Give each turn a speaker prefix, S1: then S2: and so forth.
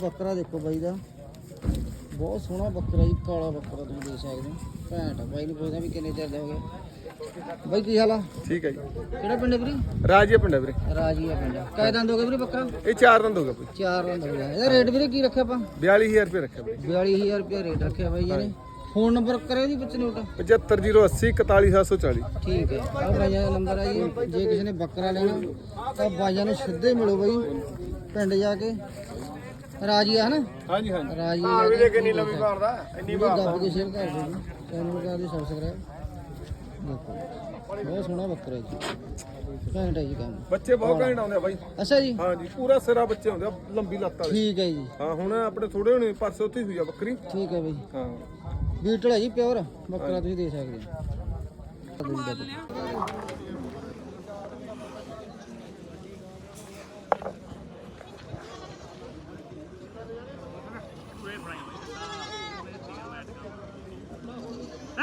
S1: ਬੱਕਰਾ ਦੇਖੋ ਬਾਈ ਦਾ ਬਹੁਤ ਸੋਹਣਾ ਬੱਕਰਾ ਜੀ, ਕਾਲਾ ਬੱਕਰਾ ਤੁਸੀਂ ਦੇਖ ਸਕਦੇ ਹੋ। ਘੈਂਟ ਆ। ਬਾਈ ਨੂੰ ਪੁੱਛਦਾ ਵੀ ਕਿੰਨੇ ਚਿਰ ਦਾ ਹੋ ਗਿਆ ਬਾਈ, ਕੀ ਹਾਲ ਆ?
S2: ਠੀਕ ਹੈ ਜੀ।
S1: ਕਿਹੜਾ ਪਿੰਡ ਹੈ ਵੀਰੇ?
S2: ਰਾਜੀਆ ਪਿੰਡ ਹੈ ਵੀਰੇ।
S1: ਰਾਜੀਆ ਪਿੰਡ। ਕਾਇ ਦੰਦ ਹੋ ਗਏ ਵੀਰੇ ਬੱਕਰਾ?
S2: ਇਹ 4 ਦੰਦ ਹੋ ਗਿਆ ਭਾਈ।
S1: 4 ਦੰਦ ਹੋ ਗਿਆ। ਇਹਦਾ ਰੇਟ ਵੀਰੇ ਕੀ ਰੱਖਿਆ ਆਪਾਂ?
S2: 42000 ਰੁਪਏ ਰੱਖਿਆ ਵੀਰੇ।
S1: 42000 ਰੁਪਏ ਰੇਟ ਰੱਖਿਆ ਬਾਈ ਜੀ ਨੇ। ਫੋਨ ਨੰਬਰ ਕਰਿਓ ਜੀ ਵਿੱਚ ਨੋਟ।
S2: 75080 41740।
S1: ਠੀਕ ਹੈ, ਆਹ ਬਾਈਆਂ ਦਾ ਨੰਬਰ ਆ ਜੀ। ਜੇ ਕਿਸੇ ਨੇ ਬੱਕਰਾ ਲੈਣਾ ਤਾਂ ਬਾਈਆਂ ਨੂੰ ਸਿੱਧੇ ਮਿਲੋ ਬਾਈ ਪਿੰਡ ਜਾ ਕੇ। ਰਾਜੀਆ ਹੈ ਨਾ?
S2: ਹਾਂਜੀ ਹਾਂਜੀ।
S1: ਰਾਜੀਆ
S2: ਵੀ ਦੇਖ ਕਿੰਨੀ ਲੰਮੀ ਮਾਰਦਾ, ਇੰਨੀ
S1: ਦੱਬ ਕੇ ਸ਼ੇਅਰ ਕਰ ਦਿਓ ਜੀ। ਚੈਨਲ ਨੂੰ ਕਰ ਦਿਓ ਸਬਸਕ੍ਰਾਈਬ। ਦੇਖੋ ਬਹੁਤ ਸੋਹਣਾ ਬੱਕਰਾ ਜੀ, ਘੈਂਟ ਹੈ ਜੀ ਕੰਮ।
S2: ਬੱਚੇ ਬਹੁਤ ਘੈਂਟ ਆਉਂਦੇ ਆ ਬਾਈ।
S1: ਅੱਛਾ ਜੀ,
S2: ਹਾਂਜੀ ਪੂਰਾ ਸਿਰਾ ਬੱਚੇ ਹੁੰਦੇ ਆ, ਲੰਬੀ ਲੱਤ ਵਾਲੇ। ਠੀਕ
S1: ਹੈ ਜੀ।
S2: ਹਾਂ ਹੁਣ ਆਪਣੇ ਥੋੜੇ ਹੋਣੇ, ਪਰਸੋਂ ਉੱਥੇ ਹੋਈ ਆ ਬੱਕਰੀ।
S1: ਠੀਕ ਹੈ ਬਾਈ।
S2: ਹਾਂ
S1: ਬੀਟਲ ਹੈ ਜੀ, ਪਿਓਰ ਬੱਕਰਾ ਤੁਸੀਂ ਦੇ ਸਕਦੇ ਹੋ।